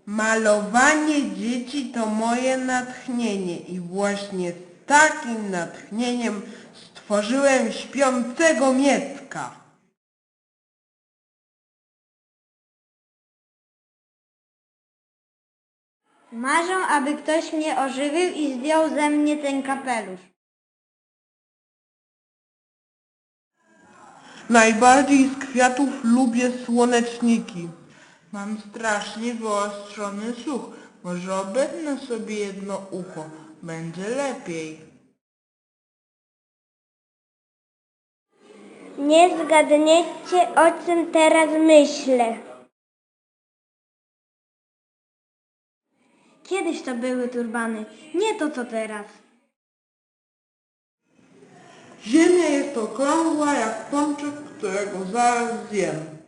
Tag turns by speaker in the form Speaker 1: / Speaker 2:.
Speaker 1: Malowanie dzieci to moje natchnienie i właśnie z takim natchnieniem stworzyłem śpiącego Miecka.
Speaker 2: Marzę, aby ktoś mnie ożywił i zdjął ze mnie ten kapelusz.
Speaker 1: Najbardziej z kwiatów lubię słoneczniki. Mam strasznie wyostrzony słuch. Może obetnę sobie jedno ucho. Będzie lepiej.
Speaker 2: Nie zgadniecie, o czym teraz myślę. Kiedyś to były turbany, nie to co teraz.
Speaker 1: Ziemia jest okrągła jak pączek, którego zaraz zjem.